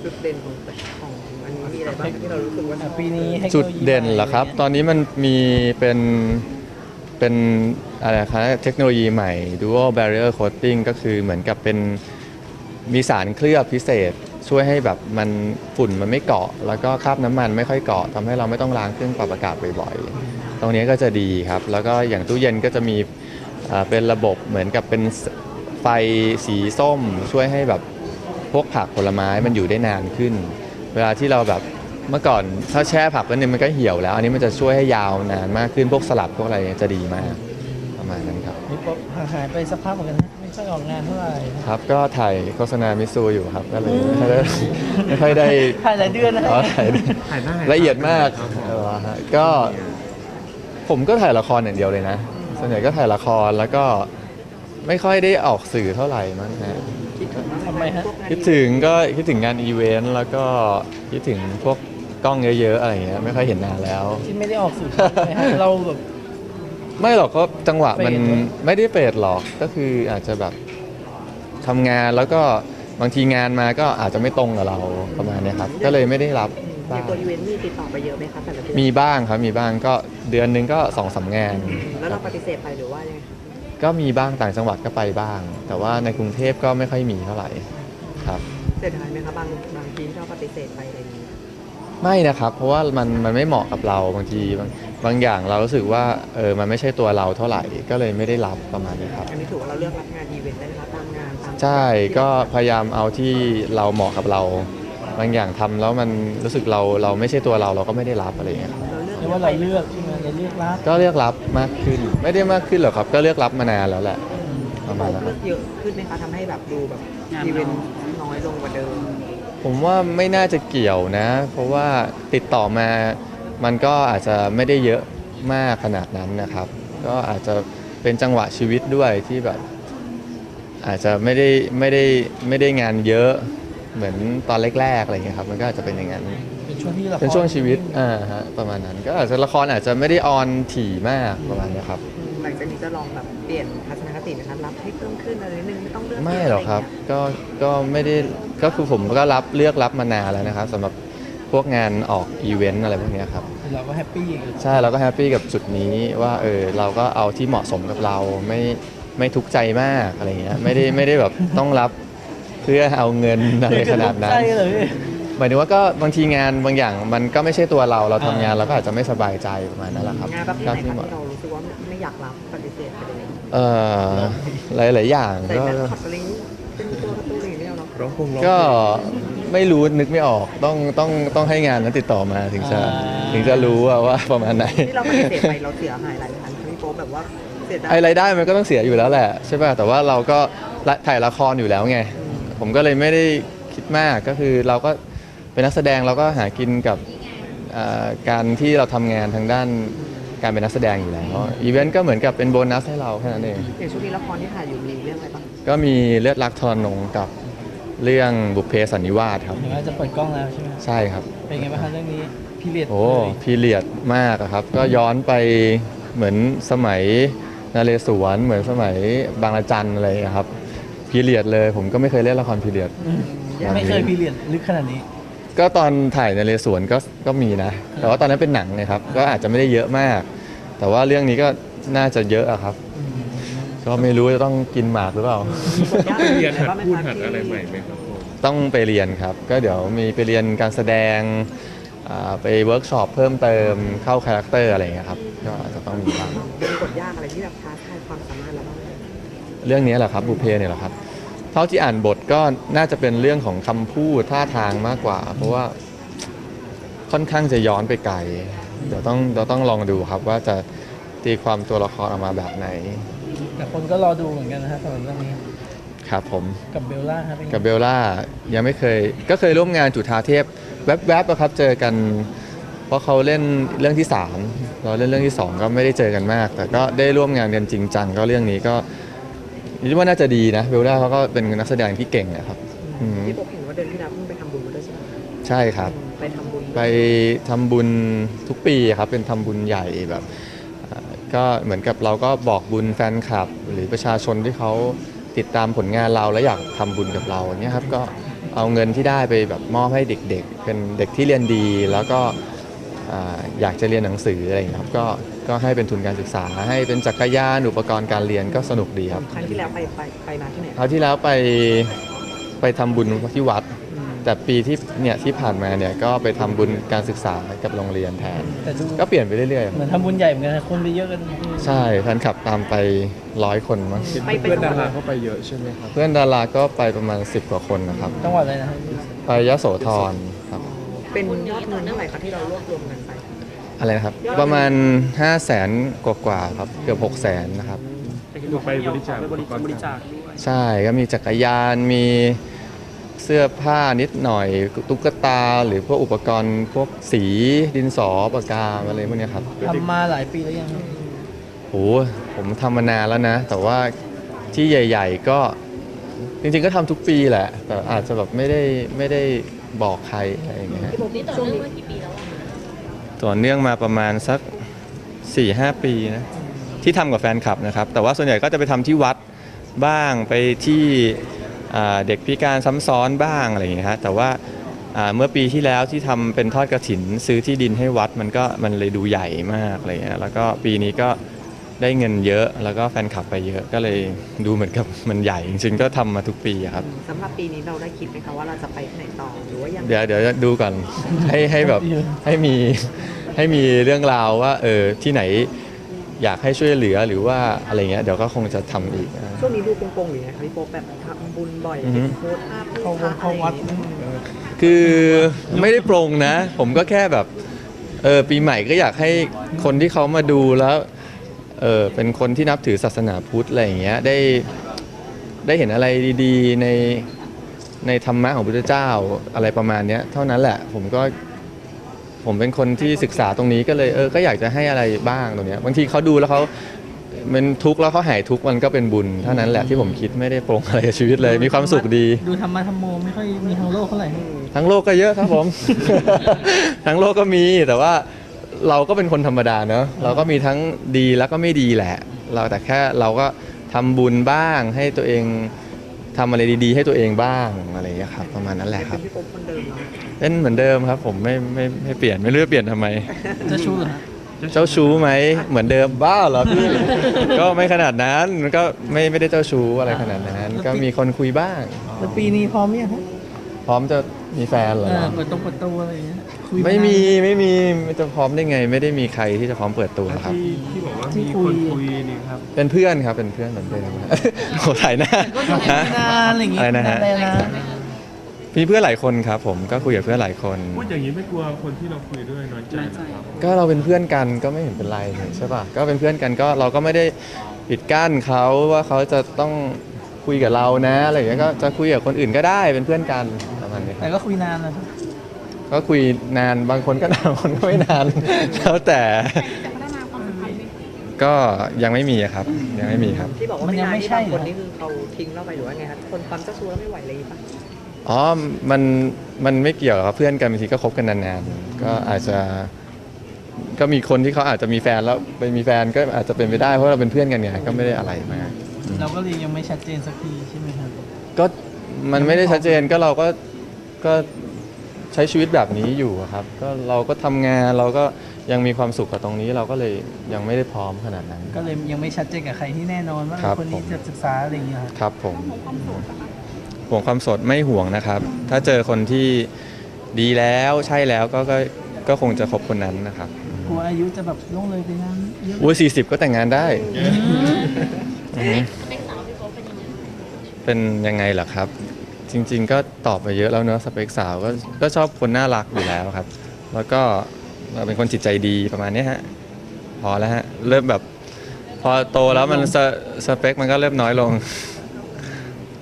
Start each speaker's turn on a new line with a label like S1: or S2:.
S1: จุดเด่นของอันนี้มีอะไรบ้างที่เรารู้สึกว่า
S2: ปีนี้
S3: จุดเด่นเหรอครับ ตอนนี้มันมีเป็นอะไรครับเทคโนโลยีใหม่ Dual Barrier Coating ก็คือเหมือนกับเป็นมีสารเคลือบพิเศษ ช่วยให้แบบมันฝุ่นมันไม่เกาะ แล้วก็คราบน้ำมันไม่ค่อยเกาะทำให้เราไม่ต้องล้างเครื่องปรับอากาศบ่อยๆตรงนี้ก็จะดีครับ แล้วก็อย่างตู้เย็นก็จะมีเป็นระบบเหมือนกับเป็นไฟสีส้ม ช่วยให้แบบพวกผักผลไม้มันอยู่ได้นานขึ้น เวลาที่เราแบบเมื่อก่อนถ้าแช่ผักแล้วเนี่ยมันก็เหี่ยวแล้ว อันนี้มันจะช่วยให้ยาวนานมากขึ้นพวกสลัดพวกอะไรเนี่ยจะดีมากประมาณนั้นครับ
S2: นี่ป๊อปหายไปสักพักเหมือนกันนะไม่ค่อยออกงานเท่าไหร่
S3: ครับก็ถ่ายโฆษณามิซูอยู่ครับก็เลยไม่ค่อยได้
S2: ถ่ายหลายเดือนนะ
S3: อ๋อถ่าย
S1: ถ่ายหน้า
S3: ละเอียดมากฮะก็ผมก็ถ่ายละครอย่างเดียวเลยนะส่วนใหญ่ก็ถ่ายละครแล้วก็ไม่ค่อยได้ออกสื่อเท่าไหร่มั้งฮะ
S2: ทำไมฮะ
S3: คิดถึงงานอีเวนต์แล้วก็คิดถึงพวกกล้องเยอะๆอะไรอย่างเงี้ยไม่ค่อยเห็นนานแล้ว
S2: ที่ไม่ได้ออกสื่อใช่ไหมฮะเราแบบ
S3: ไม่หรอกก็จังหวะมัน
S2: เฟดเหรอ
S3: ไม่ได้เฟดหรอกก็คืออาจจะแบบทำงานแล้วก็บางทีงานมาก็อาจจะไม่ตรงกับเราประมาณเนี้ยครับก็เลยไม่ได้รับ
S1: ใน
S3: บ้าง
S1: ตัวอีเวนต์มีติดต่อไปเยอะไหมคะแต่ละเดือน
S3: มีบ้างครับมีบ้างก็เดือนหนึงก็2-3 งาน
S1: แล้วเราปฏิเสธไปหรือว่ายังไงคะ
S3: ก็มีบ้างต่างจังหวัดก็ไปบ้าง แต่ว่าในกรุงเทพก็ไม่ค่อยมีเท่าไหร่ครับ
S1: เสียดายไหมคะบางทีที่เราปฏิเสธไปอะไรอย่างนี้
S3: ไม่นะครับเพราะว่ามันไม่เหมาะกับเราบางทีบางอย่างเรารู้สึกว่ามันไม่ใช่ตัวเราเท่าไหร่ก็เลยไม่ได้รับประมาณนี้ครับ
S1: อันนี้ถือว่าเราเลือกรับงานอีเวนต์ได้ไหมคะตามงานตาม
S3: ใช่ก็พยายามเอาที่เราเหมาะกับเรา บางอย่างทำแล้วมันรู้สึกเราไม่ใช่ตัวเราก็ไม่ได้รับอะไรอย่างเงี้ยครับ
S1: เราเลือก
S2: เรียกว่าเราเลือกใช่ไหมเราเลือกรับ
S3: ก็เลือกรับมากขึ้น ไม่ได้มากขึ้นหรอกครับ ก็เลือกรับมานานแล้วแหละประมาณนั้นค
S1: เลื
S3: รั
S1: อบ กเยอะขึ้นไหมคะทำให้แบบดูแบบอีเวนต์น้อยลงกว่าเดิม
S3: ผมว่าไม่น่าจะเกี่ยวนะ เพราะว่าติดต่อมามันก็อาจจะไม่ได้เยอะมากขนาดนั้นนะครับ ก็อาจจะเป็นจังหวะชีวิตด้วยที่แบบ อาจจะไม่ได้งานเยอะเหมือนตอนแรกๆอะไรเงี้ยครับมันก็อาจจะเป็นอย่างนั้น
S2: เป็นช่วงที่ละคร
S3: เป็นช่วงชีวิตฮะประมาณนั้นก็อาจจะละครอาจจะไม่ได้ออนถี่มากประมาณเนี้ยครับ
S1: หลังจากนี้จะลองแบบเปลี่ยนทัศนคตินะคะรับให้เพิ่มขึ้นอะไรนิดนึงไม่ต้องเลือก
S3: ไม่หรอกครับก็ไม่ได้ก็คือผมก็เลือกรับมานานแล้วนะครับสำหรับพวกงานออกอีเวนต์อะไรพวกเนี้ยครับ
S2: เราก็แฮปปี้กับ
S3: ใช่เราก็แฮปปี้กับจุดนี้ว่าเราก็เอาที่เหมาะสมกับเราไม่ทุกข์ใจมากอะไรเงี้ยไม่ได้แบบต้องรับเพื่อเอาเงินอะไรขนาดนั้น
S2: ใช่เลย
S3: หมายถึงว่าก็บางทีงานบางอย่างมันก็ไม่ใช่ตัวเราทำงานเราก็อาจจะไม่สบายใจประมาณนั้นแหละครับ
S1: งานประเภทไหน
S3: ที่
S1: คะ
S3: เหมาะ
S1: ที่เรารู้สึกว่าไม่อยากรับปฏิเสธไปเลย
S3: หลายอย่าง
S1: ใส่
S3: ก็
S1: แมสคอตอะไรนี้เป็นตัวการ์ตูนอย่างนี้เนาะ
S4: ร้องเพลง
S3: ก็ไม่รู้นึกไม่ออกต้องให้งานนั้นติดต่อมาถึงจะรู้ว่าประมาณไหน
S1: ที่เราปฏิเสธไปเราเสียหายหลายพันพี่โป๊ปแบบว่าเสียดาย
S3: ไอ้รายได้มันก็ต้องเสียอยู่แล้วแหละใช่ป่ะแต่ว่าเราก็ถ่ายละครอยู่แล้วไงผมก็เลยไม่ได้คิดมากก็คือเราก็เป็นนักแสดงเราก็หากินกับการที่เราทำงานทางด้านการเป็นนักแสดงอยู่แล้วอีเวนต์ก็เหมือนกับเป็นโบนัสให้เราแค่นั้นเอง
S1: อย่างช่วงนี้ละครที่ถ่ายอยู่มีเรื่องอะไรบ้าง
S3: ก็มีเลือดรักทรนงกับเรื่องบุพเพสันนิวาสครับ
S2: เห็นว่าจะเปิดกล้องแล้วใช่ไหม
S3: ใช่ครับ
S2: เป็นไงบ้างคะเรื่องนี้พีเรียด
S3: โอ้พีเรียดมากอะครับ ก็ย้อนไปเหมือนสมัยนเรศวรเหมือนสมัยบางระจันอะไรอย่างเงี้ยครับพีเรียดเลยผมก็ไม่เคยเล่นละครพีเรียด
S2: ไม่เคยพีเรียดลึกขนาดนี้
S3: ก็ตอนถ่ายนเรศวรก็มีนะ แต่ว่าตอนนั้นเป็นหนังนะครับ ก็อาจจะไม่ได้เยอะมาก แต่ว่าเรื่องนี้ก็น่าจะเยอะอะครับ ก็ไม่รู้จะต้องกินหมากหรือเปล่า
S4: เรียนหัดพูดหัดอะไรใหม่ไหมครับผม
S3: ต้องไปเรียนครับ ก็เดี๋ยวมีไปเรียนการแสดงไปเวิร์กช็อปเพิ่มเติมเข้าคาแรคเตอร์อะไรอย่างเงี้ยครับ ก็อาจจะต้องมีบ้าง
S1: มีกฎยากอะไรที่แบบท้าทายความสามารถเราบ้างไหม
S3: เรื่องนี้แหละครับบุพเพเนี่ยแหละครับ เท่าที่อ่านบทก็น่าจะเป็นเรื่องของคำพูดท่าทางมากกว่า เพราะว่าค่อนข้างจะย้อนไปไกล เดี๋ยวต้องลองดูครับว่าจะตีความตัวละครออกมาแบบไหน
S2: แต่คนก็รอดูเหมือนกันนะฮะสำหรับเรื่องนี้
S3: ครับผม
S2: กับเบลล่าครับเป็นไง
S3: กับเบลล่ายังไม่เคยก็เคยร่วมงานจุฑาเทพแวบๆอะครับเจอกัน เพราะเขาเล่นเรื่องที่3เราเล่นเรื่องที่2ก็ไม่ได้เจอกันมาก แต่ก็ได้ร่วมงานกันจริงจังก็เรื่องนี้ก็คิดว่าน่าจะดีนะเบลล่าเขาก็เป็นนักแสดงที่เก่งนะครับอืม
S1: พี่โป๊ปเห็นว่าเดือนที่แล้วเพิ่งไปทำบุญมาด้วยใช่ไหม
S3: ใช่ครับ
S1: ไปทำบุญ
S3: ไปทำบุญทุกปีครับเป็นทำบุญใหญ่แบบก็เหมือนกับเราก็บอกบุญแฟนคลับ หรือประชาชนที่เขาติดตามผลงานเราและอยากทำบุญกับเราเนี่ยครับก็เอาเงินที่ได้ไปแบบมอบให้เด็กๆเป็นเด็กที่เรียนดีแล้วก็อยากจะเรียนหนังสืออะไรอย่างเงี้ยครับก็ให้เป็นทุนการศึกษาให้เป็นจักรยานอุปกรณ์การเรียนก็สนุกดีครับ
S1: ครั้งที่แล้วไปมาที่ไหน
S3: คราวที่แล้วไปทำบุญที่วัด แต่ปีที่ผ่านมาเนี่ยก็ไปทำบุญการศึกษากับโรงเรียนแทน
S2: แต่ดู
S3: ก็เปลี่ยนไปเรื่อย
S2: เหมือนทำบุญใหญ่เหมือนกันนะคนไปเยอะกัน
S3: ๆใช่แฟนคลับตามไป100 คนมั้ง
S1: ไป
S4: เพื่อน
S1: จั
S4: ดาง
S1: หวั
S4: รา
S1: ด
S4: เข้าไปเยอะใช่ไหมครับ
S3: เพื่อนดาราก็ไปประมาณ10 กว่าคนนะครับ
S2: จังหวัดอะไรนะครับ
S3: ไปยโสธรครับ
S1: เป็นยอดเงินเท่าไหร่ครับที่เรารวบรวมกันไป
S3: อะไรนะครับ ประมาณ 500,000 กว่าๆครับเกือบ600,000นะครับ
S4: ดูไปบริจาคอุปกรณ์
S3: ใช่ก็มีจักรยานมีเสื้อผ้านิดหน่อยตุ๊กตาหรือพวกอุปกรณ์พวกสีดินสอปากกาอะไรพวกเนี้ยครับ
S2: ทำมาหลายปีแล้วยังครับ
S3: โหผมทำมานานแล้วนะ แต่ว่าที่ใหญ่ ๆ ก็จริงๆก็ทำทุกปีแหละ แต่อาจจะแบบไม่ได้บอกใครอะไรอย่างเงี้ยฮะ
S5: นี่ต่อเนื่องมากี่ปีแล้วอะ
S3: ต่อเนื่องมาประมาณสัก 4-5 ปีนะที่ทำกับแฟนคลับนะครับ แต่ว่าส่วนใหญ่ก็จะไปทำที่วัดบ้างไปที่เด็กพิการซ้ำซ้อนบ้างอะไรอย่างเงี้ยฮะแต่ว่าเมื่อปีที่แล้วที่ทำเป็นทอดกฐินซื้อที่ดินให้วัดมันเลยดูใหญ่มากอะไรเงี้ยแล้วก็ปีนี้ก็ได้เงินเยอะแล้วก็แฟนคลับไปเยอะก็เลยดูเหมือนกับมันใหญ่จริงๆก็ทำมาทุกปีอะครับ
S1: สำหรับปีนี้เราได้คิดไหมคะว่าเราจะไปที่ไหนต่อหรือว่ายัง
S3: เดี๋ยวจะดูก่อน ให้แบบให้มีเรื่องราวว่าที่ไหนอยากให้ช่วยเหลือหรือว่าอะไรเงี้ยเดี๋ยวก็คงจะทำอีก
S1: ช่วงนี้ดูโกงๆหรือไงคะพี่โป๊ปแบบทำบุญบ่อย
S3: อือฮึ
S1: โพสต์ภาพรูปภาพ
S2: เข้าวัด
S1: อะไรอย่างเงี้ย
S3: คือไม่ได้โปรงนะ ผมก็แค่แบบปีใหม่ก็อยากให้คนที่เขามาดูแล้วเป็นคนที่นับถือศาสนาพุทธอะไรอย่างเงี้ยได้เห็นอะไรดีๆในธรรมะของพระพุทธเจ้าอะไรประมาณเนี้ยเท่านั้นแหละผมเป็นคนที่ศึกษาตรงนี้ก็เลยก็อยากจะให้อะไรบ้างตรงเนี้ยบางทีเขาดูแล้วเขาเป็นทุกข์แล้วเขาหายทุกข์มันก็เป็นบุญเท่านั้นแหละที่ผมคิดไม่ได้โปรงอะไรกับชีวิตเลยมีความสุขดี
S2: ดูธรรมะธรรมโมไม่ค่อยมีทางโลกเท่าไหร่
S3: ทั้งโลกก็เยอะครับผม ทั้งโลกก็มีแต่ว่าเราก็เป็นคนธรรมดาเนอะเราก็มีทั้งดีแล้วก็ไม่ดีแหละ แต่แค่เราก็ทำบุญบ้างให้ตัวเองทำอะไรดีๆ ให้ตัวเองบ้างอะไรอย่างเงี้ยครับประมาณนั้นแหละค
S1: เป็
S3: รับ
S1: นพี่โป๊ปคนเดิมเนาะ
S3: เป็นเหมือนเดิมครับ ผมไม่เปลี่ยนไม่รู้จะเปลี่ยนทำไม
S2: จะชู้เหรอฮะ
S3: เจ้าชู้ไหมเหมือนเดิมบ้าเหรอพี่ ก็ไม่ขนาดนั้นมันก็ไม่ได้เจ้าชู้อะไรขนาดนั้น ก็มีคนคุยบ้าง
S2: แล้วปีนี้พร้อมยังฮะ
S3: พร้อมจะมีแฟนเหรอ
S2: เปิดตัวอะไรอย่างเงี้ยคุย
S3: ไม่มีจะพร้อมได้ไง ไม่ได้มีใครที่จะพร้อมเปิดตัวครับ
S4: ที่บอกว่ามีคนคุยนี่ครับ
S3: เป็นเพื่อนครับเป็นเพื่อนเหมือนเดิม โอ้ถ่ายหน้า
S2: ก็คุยนานอะไรอย่างงี้
S3: อะไรนะฮะ
S2: ได้นะ
S3: มีเพื่อนหลายคนครับผมก็คุยกับเพื่อนหลายคน
S4: พูดอย่างนี้ไม่กลัวคนที่เราคุยด้วยน้อยใจนะครับ
S3: ก็เราเป็นเพื่อนกันก็ไม่เห็นเป็นไรนี่ใช่ป่ะก็เป็นเพื่อนกันก็เราก็ไม่ได้ปิดกั้นเขาว่าเขาจะต้องคุยกับเรานะอะไรอย่างเงี้ยก็จะคุยกับคนอื่นก็ได้เป็นเพื่อนกันประมาณนี้ค
S2: แต่
S3: รับ
S2: ก็คุยนานนะครับ
S3: ก็คุยนานบางคนก็นานบางคนก็ไม่นาน แล้วแต่
S5: จะพัฒนาความสัมพันธ์ไหม
S3: ก็ยังไม่มีครับยังไม่มีครับ
S1: ที่บอกว่า
S2: มันยังไม่
S1: นาน
S2: ใช่
S1: บางคน
S2: เหรอ
S1: นี่คือเขาทิ้งเราไปหรือว่าไงคะคนความเจ้าชู้แล้วไม่ไหวเลยปะ
S3: อ๋อมันไม่เกี่ยวครับเพื่อนกันบางทีก็คบกันนานๆก็อาจจะก็มีคนที่เขาอาจจะมีแฟนแล้วไปมีแฟนก็อาจจะเป็นไปได้เพราะเราเป็นเพื่อนกันไงก็ไม่ได้อะไรมาก
S2: เราก็เลยยังไม่ชัดเจนสักทีใช่ไหมครับ
S3: ก็มันไม่ได้ชัดเจนก็เราก็ใช้ชีวิตแบบนี้อยู่อะครับก็เราก็ทำงานเราก็ยังมีความสุขกับตรงนี้เราก็เลยยังไม่ได้พร้อมขนาดนั้น
S2: ก็เลยยังไม่ชัดเจนกับใครที่แน่นอนว่า
S3: ครับ
S2: คนนี้จะศึกษาอะไรอย่างเงี้ยครับ
S3: ครับผมห่วงความโสดไม่ห่วงนะครับ ถ้าเจอคนที่ดีแล้วใช่แล้วก็คงจะคบคนนั้นนะครับ
S2: กลัวอายุจะแบบล่วงเลยไปนั้นเยอะ
S3: อุ้ย40 ก็แต่งงานได้อืม
S5: สเปคสาวพี่โป๊ปเป็นยังไง
S3: เป็นยังไงเหรอครับ จริง ๆ ก็ตอบไปเยอะแล้วเนอะสเปคสาวก็ชอบคนน่ารักอยู่แล้วครับ แล้วก็เป็นคนจิตใจดีประมาณเนี้ยฮะพอแล้วฮะเริ่มแบบพอโตแล้วมันสเปคมันก็เริ่มน้อยลง